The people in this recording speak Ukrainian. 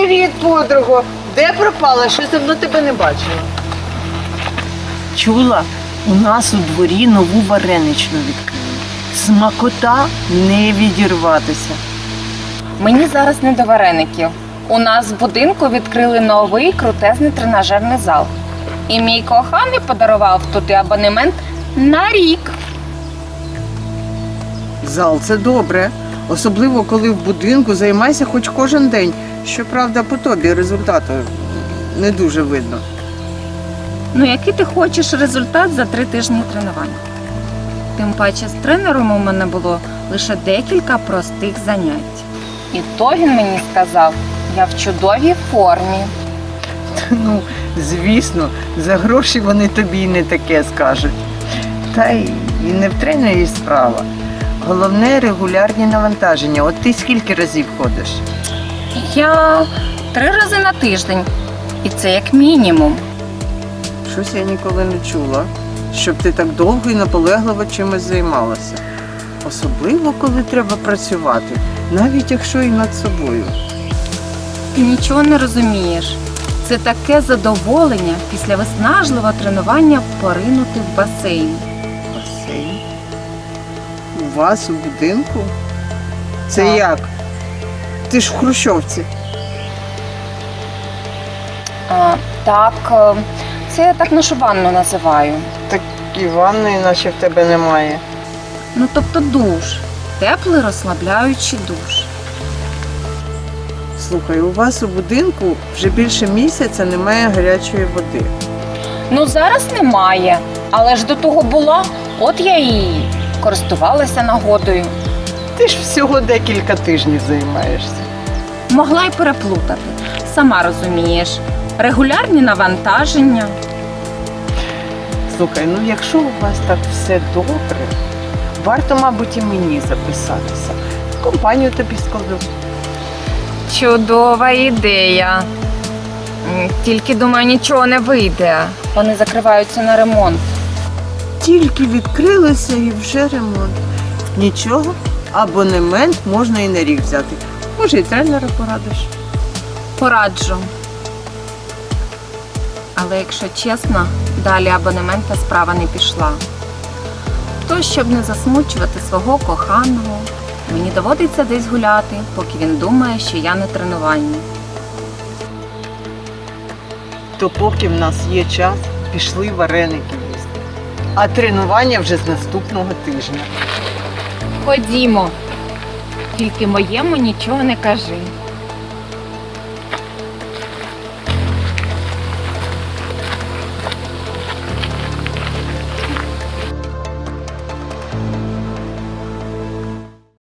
Привіт, подруго! Де пропала? Щось давно тебе не бачила. Чула, у нас у дворі нову вареничну відкрили. Смакота не відірватися. Мені зараз не до вареників. У нас в будинку відкрили новий крутезний тренажерний зал. І мій коханий подарував туди абонемент на рік. Зал – це добре. Особливо, коли в будинку займайся хоч кожен день. Щоправда, по тобі результату не дуже видно. Ну, який ти хочеш результат за 3 тижні тренувань? Тим паче з тренером у мене було лише декілька простих занять. І то він мені сказав, я в чудовій формі. Ну, звісно, за гроші вони тобі й не таке скажуть. Та й не в тренері справа. Головне – регулярні навантаження. От ти скільки разів ходиш? Я 3 рази на тиждень. І це як мінімум. Щось я ніколи не чула, щоб ти так довго і наполегливо чимось займалася. Особливо, коли треба працювати, навіть якщо і над собою. Ти нічого не розумієш. Це таке задоволення після виснажливого тренування поринути в басейн. Басейн? У вас у будинку? Це Так. як? Ти ж в Хрущовці. Так, це я так нашу ванну називаю. Так і ванної наче в тебе немає. Ну, тобто душ. Теплий розслабляючий душ. Слухай, у вас у будинку вже більше місяця немає гарячої води. Ну, зараз немає, але ж до того була, от я і користувалася нагодою. Ти ж всього декілька тижнів займаєшся. Могла й переплутати. Сама розумієш. Регулярні навантаження. Слухай, ну якщо у вас так все добре, варто, мабуть, і мені записатися. Компанію тобі складу. Чудова ідея. Тільки, думаю, нічого не вийде. Вони закриваються на ремонт. Тільки відкрилися і вже ремонт. Нічого, абонемент можна і на рік взяти. Може, і тренера порадиш. Пораджу. Але якщо чесно, далі абонемента справа не пішла. То, щоб не засмучувати свого коханого, мені доводиться десь гуляти, поки він думає, що я на тренуванні. То поки в нас є час, пішли вареники їсти. А тренування вже з наступного тижня. Ходімо. Тільки моєму нічого не кажи.